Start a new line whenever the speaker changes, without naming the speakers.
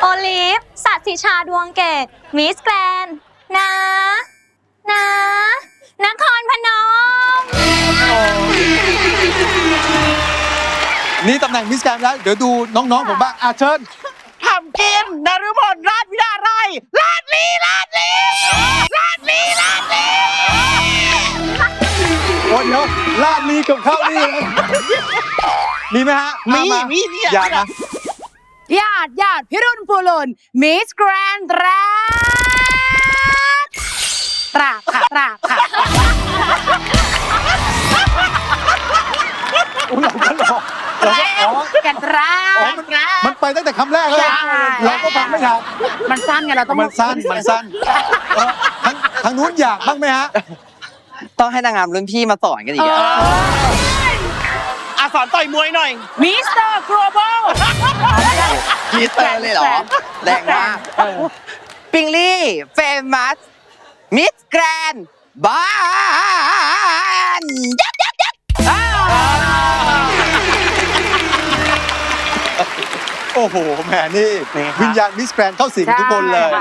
โอลิฟสัตย์สิชาดวงเกตมิสแกรนด์นะนครพนม
นี่ตำแหน่งมิสแกรนด์แล้ว เดี๋ยวดูน้องๆผมบ้างเชิญ
ทำกินนฤมลราชวิดาไรลาดลี
โอ้เดี๋ยวลาดลีกับข้าวนี่มีไหมฮะ
มี
อยากนะ
ญาติพิรุณภูลุนมิสแกรนด์ตราค่ะ
อุ้ยเราก็รออ๋อ
กันตรา
มันไปตั้งแต่คำแรกแล้วเราก็ฟังไม่ทัน
มันสั้นไงเราต้อง
มันสั้นทางนู้นอยากบ้างไหมฮะ
ต้องให้นางงามรุ่นพี่มาสอนกันอีกอะ
สอนต่อยมวยหน่อย
มิสเตอร์กลบอล
มิสเตอร์เลยเหรอ แรงมากปิงลี่เฟมัสมิสแกรนด์บ้านยัก
โอ้โหแหมนี่วิญญาณมิสแกรนด์เข้าสิงทุกคนเลย